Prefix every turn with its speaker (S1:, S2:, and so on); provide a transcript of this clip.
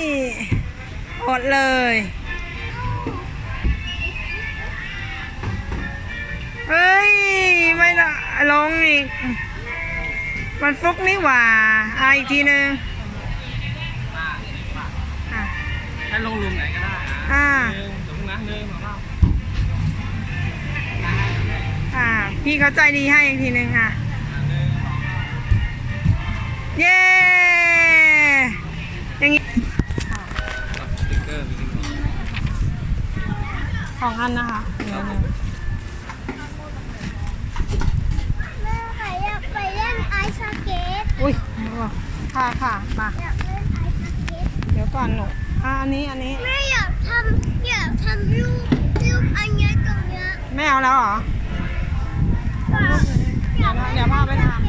S1: อดเลยเฮ้ยไม่ละลงอีกมันฟุกนี่หว่าอีกทีนึง
S2: ให้ลงลุมไหนก็ได้ถึงนะ1 2 3
S1: พี่เขาใจดีให้อีกทีนึงเย้อย่างนี้
S2: สติ๊กเกอร์
S1: 2 อันนะคะ
S3: แม่อยากไปเล่นไอซ์สเก็ต
S1: อุ้ยค่ะมา
S3: อยากเล่นไอซ์สเก็ต
S1: เดี๋ยวก่อนหนูอันนี้
S3: แม่อยากทำรูปอันนี้ตรงเนี้ย
S1: ไม่เอาแล้วเหรอเดี๋ยวพาไปทำ